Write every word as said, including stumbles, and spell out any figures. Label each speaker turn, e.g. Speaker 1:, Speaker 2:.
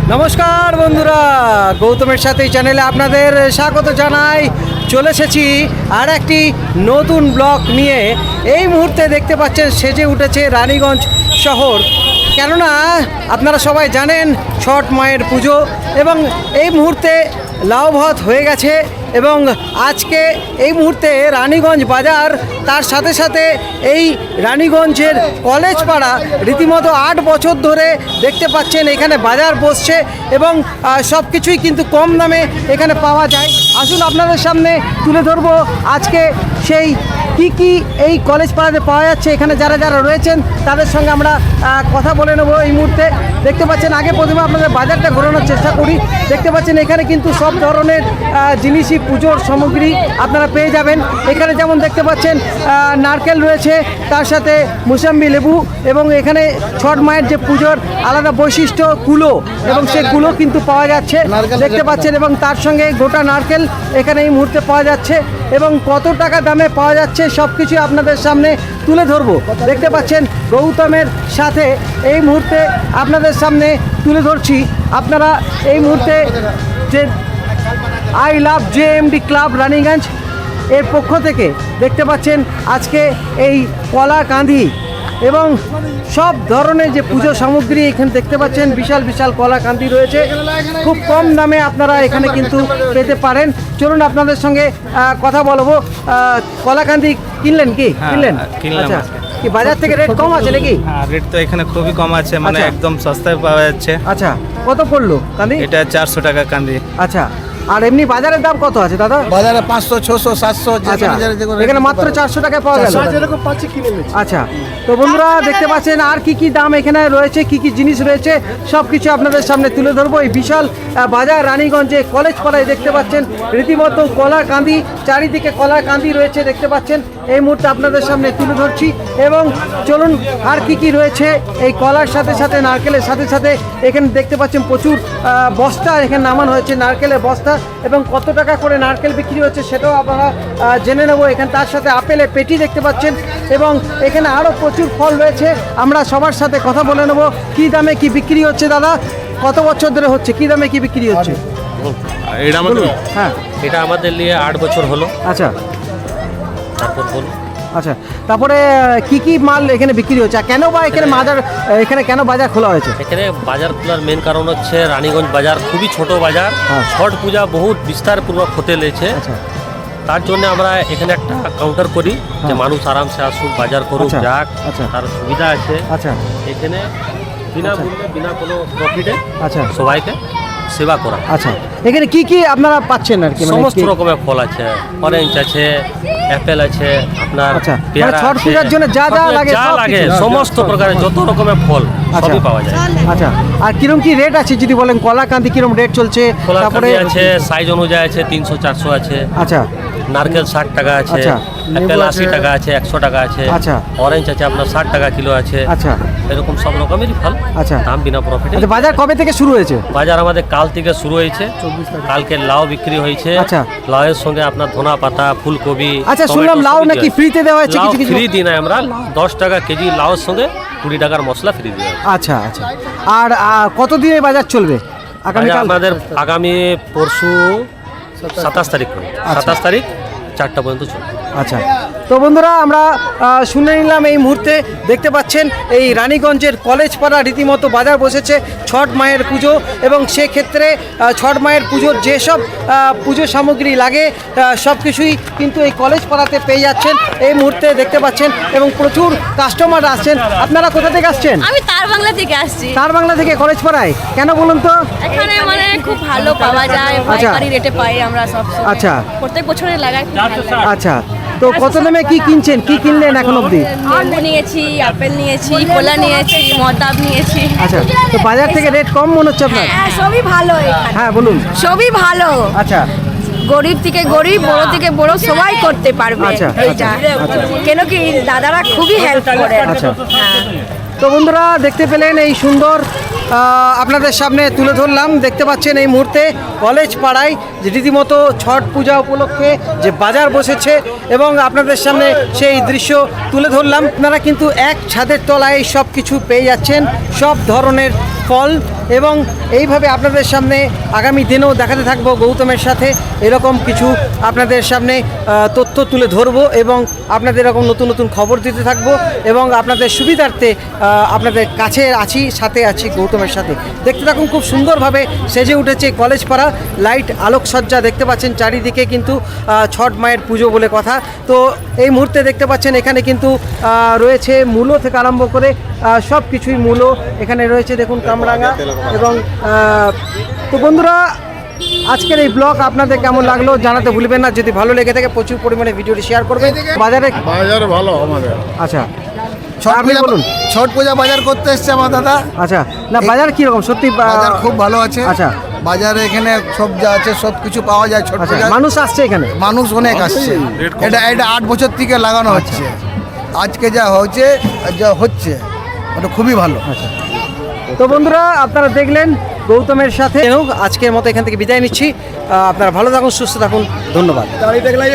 Speaker 1: নমস্কার বন্ধুরা, গৌতমের সাথে এই চ্যানেলে আপনাদের স্বাগত জানাই। চলে এসেছি আর একটি নতুন ব্লগ নিয়ে। এই মুহূর্তে দেখতে পাচ্ছেন সেজে উঠেছে রানীগঞ্জ শহর, কেননা আপনারা সবাই জানেন ছট মায়ের পুজো এবং এই মুহূর্তে লাউ ভাত হয়ে গেছে এবং আজকে এই মুহূর্তে রানীগঞ্জ বাজার, তার সাথে সাথে এই রানীগঞ্জের কলেজ পাড়া রীতিমতো আট বছর ধরে দেখতে পাচ্ছেন এখানে বাজার বসছে এবং সব কিছুই কিন্তু কম দামে এখানে পাওয়া যায়। আসুন আপনাদের সামনে তুলে ধরবো আজকে সেই কি কি এই কলেজ পাড়াতে পাওয়া যাচ্ছে। এখানে যারা যারা রয়েছেন তাদের সঙ্গে আমরা কথা বলে নেবো এই মুহূর্তে। দেখতে পাচ্ছেন আগে প্রথমে আপনাদের বাজারটা ঘোরানোর চেষ্টা করি। দেখতে পাচ্ছেন এখানে কিন্তু সব ধরনের জিনিসই পুজোর সামগ্রী আপনারা পেয়ে যাবেন। এখানে যেমন দেখতে পাচ্ছেন নারকেল রয়েছে, তার সাথে মুসাম্বি লেবু এবং এখানে ছট মায়ের যে পুজোর আলাদা বৈশিষ্ট্য কুলো এবং সেই কুলো কিন্তু পাওয়া যাচ্ছে দেখতে পাচ্ছেন, এবং তার সঙ্গে গোটা নারকেল এখানে এই মুহূর্তে পাওয়া যাচ্ছে এবং কত টাকা দামে পাওয়া যাচ্ছে সব কিছু আপনাদের সামনে তুলে ধরবো। দেখতে পাচ্ছেন গৌতমের সাথে এই মুহূর্তে আপনাদের সামনে তুলে ধরছি। আপনারা এই মুহূর্তে যে I love J M D club Raniganj এর পক্ষ থেকে দেখতে পাচ্ছেন আজকে এই কলা কাঁদি এবং সব ধরনের যে পুজো সামগ্রী এখানে দেখতে পাচ্ছেন, বিশাল বিশাল কলা কাঁদি রয়েছে, খুব কম দামে আপনারা এখানে কিন্তু পেতে পারেন। চলুন আপনাদের সঙ্গে কথা বলবো। কলা কাঁদি কিনলেন কি? কিনলেন? আচ্ছা, কি বাজার থেকে রেট কম আছে নাকি?
Speaker 2: হ্যাঁ, রেট তো এখানে খুবই কম আছে, মানে একদম সস্তায় পাওয়া যাচ্ছে।
Speaker 1: আচ্ছা, কত পড়লো কাঁদি?
Speaker 2: এটা চারশো টাকা কাঁদি।
Speaker 1: আচ্ছা, আর এমনি বাজারের দাম কত আছে দাদা?
Speaker 3: বাজারে পাঁচশো ছশো সাতশো,
Speaker 1: এখানে মাত্র চারশো টাকায় পাওয়া গেল। আচ্ছা, তো বন্ধুরা দেখতে পাচ্ছেন আর কি কি দাম এখানে রয়েছে, কি কি জিনিস রয়েছে সব কিছু আপনাদের সামনে তুলে ধরবো। এই বিশাল বাজার রানীগঞ্জে কলেজ পাড়ায় দেখতে পাচ্ছেন রীতিমতো কলা কাঁদি, চারিদিকে কলা কাঁদি রয়েছে দেখতে পাচ্ছেন। এই মুহূর্তে আপনাদের সামনে তুলে ধরছি এবং চলুন আর কি কি রয়েছে। এই কলার সাথে সাথে নারকেলের সাথে সাথে এখানে দেখতে পাচ্ছেন প্রচুর বস্তা এখানে নামানো হয়েছে, নারকেলের বস্তা, এবং কত টাকা করে নারকেল বিক্রি হচ্ছে সেটাও আপনারা জেনে নেবো। এখানে তার সাথে আপেলের পেটি দেখতে পাচ্ছেন এবং এখানে আরও প্রচুর ফল রয়েছে। আমরা সবার সাথে কথা বলে নেবো কী দামে কি বিক্রি হচ্ছে। দাদা, কত বছর ধরে হচ্ছে, কী দামে কি বিক্রি হচ্ছে?
Speaker 4: এটা আমাদের
Speaker 1: হ্যাঁ
Speaker 4: এটা আমাদের নিয়ে আট বছর হলো।
Speaker 1: আচ্ছা,
Speaker 4: তারপর বলুন।
Speaker 1: আচ্ছা, তারপরে কি কি মাল এখানে বিক্রি হচ্ছে, কেন বা এখানে বাজার এখানে কেন বাজার খোলা হয়েছে?
Speaker 4: এখানে বাজার খোলার মেন কারণ হচ্ছে রানীগঞ্জ বাজার খুবই ছোট বাজার, ছট পূজা বহুত বিস্তারপূর্বক হতে লেগেছে। তার জন্য আমরা এখানে একটা কাউন্টার করি যে মানুষ আরামসে আসুক, বাজার করুক, যাক, তার সুবিধা আছে।
Speaker 1: আচ্ছা,
Speaker 4: এখানে বিনা মূল্যে বিনা কোনো প্রফিটে
Speaker 1: আচ্ছা
Speaker 4: সবাইকে সেবা করা।
Speaker 1: আচ্ছা, এখানে কি কি আপনারা পাচ্ছেন আর কি?
Speaker 4: সমস্ত রকমের ফল আছে, অরেঞ্জ আছে, অ্যাপেল আছে, আপনার পেয়ারা
Speaker 1: ছট পূজার জন্য যা যা লাগে
Speaker 4: যা লাগে সমস্ত প্রকারের যত রকমের ফল সবই পাওয়া যায়।
Speaker 1: আচ্ছা, আর কিরকম কি রেট আছে যদি বলেন? কলা কাঁদি কিরকম রেট চলছে?
Speaker 4: তারপরে আছে সাইজ অনুযায়ী আছে, তিনশো চারশো আছে।
Speaker 1: আচ্ছা,
Speaker 4: নারকেল ষাট টাকা আছে, অ্যাপেল আশি টাকা আছে, একশো টাকা আছে।
Speaker 1: আচ্ছা,
Speaker 4: অরেঞ্জ আছে আপনার ষাট টাকা কিলো আছে।
Speaker 1: আচ্ছা,
Speaker 4: এরকম সব রকমেরই ফল।
Speaker 1: আচ্ছা,
Speaker 4: দাম বিনা প্রফিটে।
Speaker 1: আচ্ছা, বাজার কবে থেকে শুরু হয়েছে?
Speaker 4: বাজার আমাদের কাল থেকে শুরু হয়েছে। কালকে লাউ বিক্রি হয়েছে।
Speaker 1: আচ্ছা,
Speaker 4: লাউয়ের সঙ্গে আপনার ধনা পাতা, ফুলকপি।
Speaker 1: আচ্ছা, শুনলাম লাউ নাকি ফ্রিতে দেওয়া হয়েছে? কিছু কিছু
Speaker 4: ফ্রি দিই না আমরা, দশ টাকা কেজি লাউয়ের সঙ্গে কুড়ি টাকার মশলা ফ্রি দিই।
Speaker 1: আচ্ছা, আচ্ছা, আর কতদিনে বাজার চলবে?
Speaker 4: আমাদের আগামী পরশু সাতাশ তারিখ সাতাশ তারিখ চারটা পর্যন্ত চলবে।
Speaker 1: আচ্ছা, তো বন্ধুরা আমরা শুনে নিলাম এই মুহূর্তে দেখতে পাচ্ছেন এই রানীগঞ্জের কলেজ পাড়া রীতিমতো বাজার বসেছে ছট মায়ের পুজো, এবং সেক্ষেত্রে ছট মায়ের পুজোর যেসব পুজো সামগ্রী লাগে সব কিছুই কিন্তু এই কলেজ পাড়াতে পেয়ে যাচ্ছেন এই মুহূর্তে দেখতে পাচ্ছেন, এবং প্রচুর কাস্টমার আসছেন। আপনারা কোথা থেকে আসছেন?
Speaker 5: আমি তার বাংলা থেকে আসছি।
Speaker 1: তার বাংলা থেকে কলেজ পাড়ায় কেন বলুন তো?
Speaker 5: এখানে মানে খুব ভালো পাওয়া যায়, পাইকারি রেটে পাই আমরা সব।
Speaker 1: আচ্ছা,
Speaker 5: প্রত্যেক বছরে লাগাই।
Speaker 1: আচ্ছা, তো কত দামে কি কিনছেন, কি কিনলেন এখন অবধি?
Speaker 5: লেবু নিয়েছি, আপেল নিয়েছি, কলা নিয়েছি, মদাব নিয়েছি।
Speaker 1: আচ্ছা, তো বাজার থেকে রেট কম মনে হচ্ছে আপনার?
Speaker 5: হ্যাঁ, সবই ভালো এখানে।
Speaker 1: হ্যাঁ, বলুন।
Speaker 5: সবই ভালো।
Speaker 1: আচ্ছা,
Speaker 5: গরিব থেকে গরিব, বড় থেকে বড় সবাই করতে পারবে।
Speaker 1: আচ্ছা,
Speaker 5: এইটা কেন কি দাদারা খুবই হেল্প করে।
Speaker 1: আচ্ছা,
Speaker 5: হ্যাঁ,
Speaker 1: তো বন্ধুরা দেখতে পেলেন এই সুন্দর আপনাদের সামনে তুলে ধরলাম। দেখতে পাচ্ছেন এই মুহূর্তে কলেজ পাড়ায় যে রীতিমতো ছট পূজা উপলক্ষে যে বাজার বসেছে এবং আপনাদের সামনে সেই দৃশ্য তুলে ধরলাম। আপনারা কিন্তু এক ছাদের তলায় সব কিছু পেয়ে যাচ্ছেন, সব ধরনের ফল এবং এইভাবে আপনাদের সামনে আগামী দিনেও দেখাতে থাকবো গৌতমের সাথে এরকম কিছু আপনাদের সামনে আহ, তথ্য তুলে ধরবো এবং আপনাদের এরকম নতুন নতুন খবর দিতে থাকবো এবং আপনাদের সুবিধার্থে আহ, আপনাদের কাছে আছি, সাথে আছি গৌতমের সাথে। দেখতে থাকুন, খুব সুন্দরভাবে সেজে উঠেছে কলেজ পাড়া, লাইট আলোকসজ্জা দেখতে পাচ্ছেন চারিদিকে, কিন্তু আহ, ছট মায়ের পুজো বলে কথা। তো এই মুহূর্তে দেখতে পাচ্ছেন এখানে কিন্তু আহ, রয়েছে মূলো থেকে আরম্ভ করে সব কিছুই মূলো এখানে রয়েছে, দেখুন কামরাঙা। এবং আহ, তো বন্ধুরা, আজকের এই ব্লগ আপনাদের কেমন লাগলো জানাতে ভুলবেন না। যদি ভালো লেগে থাকে প্রচুর পরিমাণে ভিডিওটি শেয়ার করবেন। বাজারে
Speaker 3: বাজার ভালো আমাদের
Speaker 1: আচ্ছা
Speaker 3: ছট
Speaker 1: আপনি
Speaker 3: পূজা
Speaker 1: বলুন।
Speaker 3: ছট পূজা বাজার করতে এসছে আমার দাদা।
Speaker 1: আচ্ছা, না বাজার কীরকম সত্যি? আহ,
Speaker 3: বাজার খুব ভালো আছে।
Speaker 1: আচ্ছা
Speaker 3: বাজারে এখানে সব যা আছে সব কিছু পাওয়া যায় ছট
Speaker 1: আচ্ছা,
Speaker 3: পূজা।
Speaker 1: মানুষ আসছে এখানে?
Speaker 3: মানুষ অনেক আসছে। এটা এটা আট বছর থেকে লাগানো হচ্ছে। আজকে যা হচ্ছে যা হচ্ছে ওটা খুবই ভালো।
Speaker 1: আচ্ছা, তো বন্ধুরা আপনারা দেখলেন গৌতমের সাথে। আজকের মতো এখান থেকে বিদায় নিচ্ছি। আহ, আপনারা ভালো থাকুন, সুস্থ থাকুন, ধন্যবাদ।